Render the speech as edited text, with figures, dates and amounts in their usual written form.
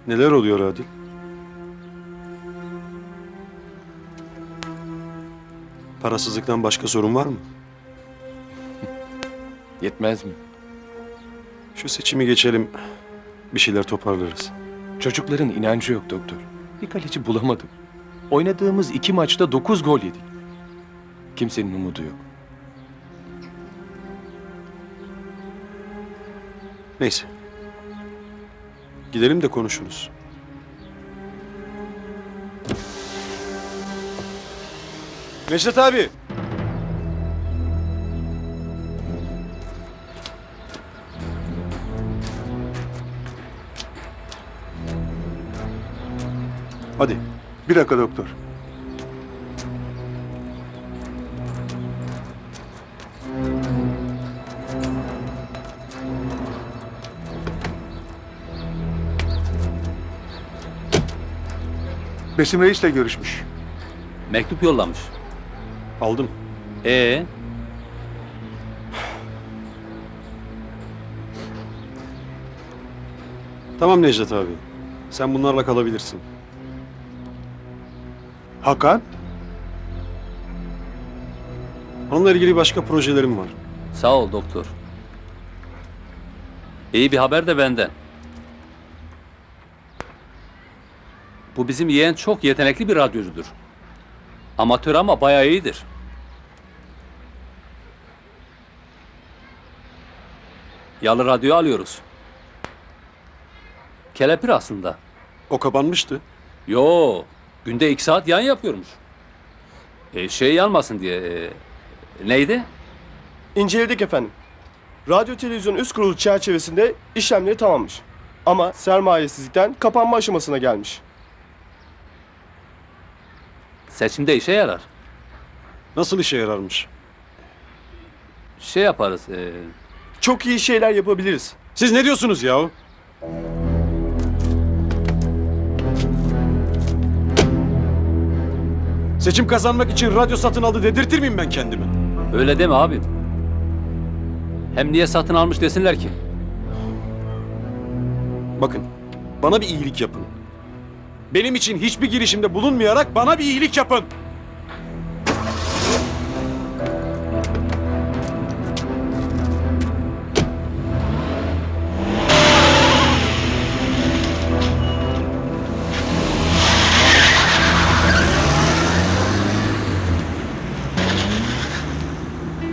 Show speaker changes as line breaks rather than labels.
Neler oluyor Adil? Parasızlıktan başka sorun var mı?
Yetmez mi?
Şu seçimi geçelim, bir şeyler toparlarız.
Çocukların inancı yok doktor. Bir kaleci bulamadım. Oynadığımız 2 maçta 9 gol yedik. Kimsenin umudu yok.
Neyse. Gidelim de konuşuruz. Necdet abi! Hadi.
Bir dakika doktor. Besim Reis'le görüşmüş.
Mektup yollamış.
Aldım. Tamam Necdet abi. Sen bunlarla kalabilirsin.
Hakan?
Onunla ilgili başka projelerim var.
Sağ ol doktor. İyi bir haber de benden. Bu bizim yeğen çok yetenekli bir radyocudur. Amatör ama bayağı iyidir. Yalı radyo alıyoruz. Kelepir aslında.
O kapanmıştı.
Yo, günde 2 saat yayın yapıyormuş. Şey yanmasın diye. Neydi?
İnceledik efendim. Radyo televizyon üst kurulu çerçevesinde işlemleri tamammış. Ama sermayesizlikten kapanma aşamasına gelmiş.
Seçimde işe yarar.
Nasıl işe yararmış?
Şey yaparız.
Çok iyi şeyler yapabiliriz.
Siz ne diyorsunuz yahu? Seçim kazanmak için radyo satın aldı dedirtir miyim ben kendimi?
Öyle deme abim. Hem niye satın almış desinler ki?
Bakın, bana bir iyilik yapın. Benim için hiçbir girişimde bulunmayarak bana bir iyilik yapın.